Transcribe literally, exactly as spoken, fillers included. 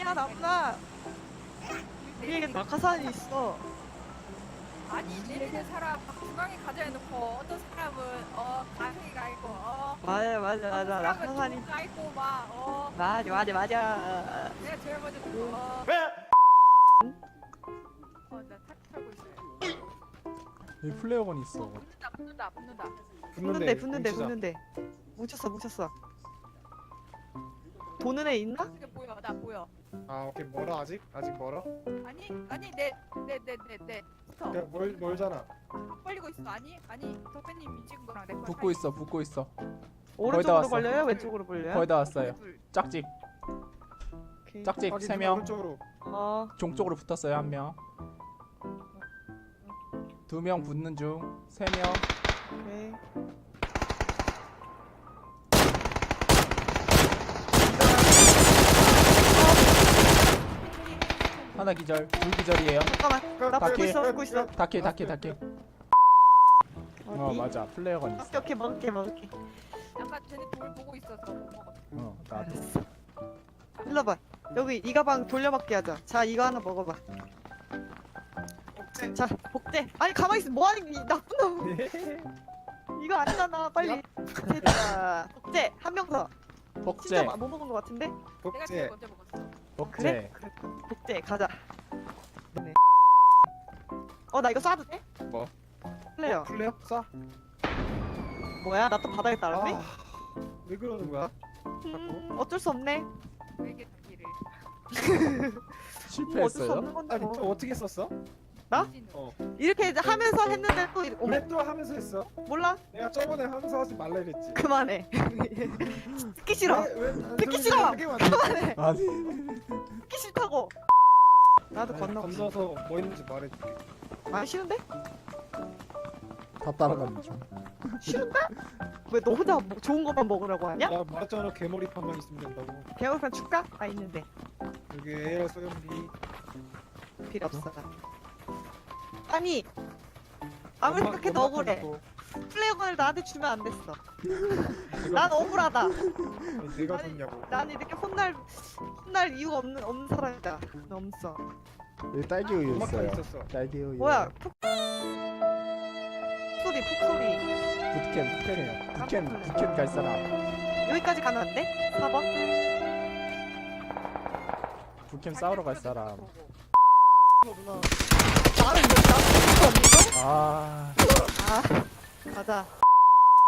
아니야 남나. 위에 낙하산이 있어. 아니 내리는 사람 중앙에 가자 해놓고 어떤 사람은 어 가생이가 있고 어 맞아 맞아 어떤 맞아 사람은 낙하산이. 중가 있고 막어 맞아 맞아 맞아. 내가 제일 먼저 듣고 어어나 타고 있어요. 여기 플레어건 있어. 붙는다 붙는다 붙는다. 붙는데 붙는데 뭉치자. 붙는데. 뭉쳤어 뭉쳤어. 도는 애 있나? 이게 보여 나 보여. 아 오케이 멀어 아직? 아직 멀어? 아니 아니 내 내 내 내내 스톱 그냥 멀 멀잖아. 걸리고 있어. 아니 아니 덕배님이 찍은 거랑 내 거. 붙고 있어, 붙고 있어. 오른쪽으로 왔어. 벌려요? 왼쪽으로 벌려요? 거의 다 왔어요. 짝집, 오케이. 짝집 확인, 세 명. 오른쪽으로. 어. 종 쪽으로 붙었어요 한 명. 두 명 붙는 중. 세 명. 오케이. 하나 기절, 둘 기절이에요. 잠깐만. 나 다 붙고 킬. 있어 붙고 있어. 다킬, 다킬, 다킬. 어 어디? 맞아, 플레어건 오케이 있어. 오케이 먹을게 먹을게. 약간 쟤네 돌 보고 있어서 못 먹었어. 어 나도. 일로 봐. 여기 이 가방 돌려받게 하자. 자 이거 하나 먹어봐. 자 복제. 아니 가만히 있어. 뭐하니 이 나쁜 놈. 이거 아니잖아. 빨리. 됐다. 복제 한 명 더. 진짜 복제, 못 먹은 것 같은데? 내가 제일 복제. 먼저 먹었어. 복제. 그래? 복제 가자. 네. 어 나 이거 쏴도 돼? 뭐? 플레이어. 플레어? 쏴. 뭐야? 나 또 바닥에 따랐네? 아, 왜 그러는 거야? 음, 어쩔 수 없네. 왜게 단기를. 뭐 어쩔 수 실패했어요? 없는 건데 아니 뭐. 또 어떻게 썼어? 나? 어. 이렇게 이제 하면서 했는데 또 이렇게- 어머 왜 또 하면서 했어? 몰라? 내가 저번에 하면서 하지 말라 그랬지. 그만해. 듣기 싫어. 왜, 왜, 안 듣기 들리게 싫어! 하게 만들어? 그만해. 아니. 듣기 싫다고. 나도 아니, 건너. 건너서 뭐 있는지 말해줄게. 아 싫은데? 다 따라가는 중. 싫은데? 왜 너 혼자 뭐 좋은 것만 먹으라고 하냐? 나 말했잖아 개머리판만 있으면 된다고. 개월판 줄까? 아 있는데 여기 에이알 소염기. 필요 없어. 아니 아무리 생각해도 억울해. 플레이어건을 나한테 주면 안 됐어. 난 억울하다. 내가 아니, 줬냐고. 난 이렇게 혼날 혼날 이유가 없는 없는 사람이다. 없어. 여기 딸기 우유 음악판 있어요. 있었어. 딸기 우유. 뭐야? 폭 소리 폭소리. 부트캠, 부트캠이요. 부캠, 부캠 갈 사람. 여기까지 가면 안 돼? 사 번? 부캠 싸우러 갈 사람. 나를 왜 나를 이거? 아. 아 가자.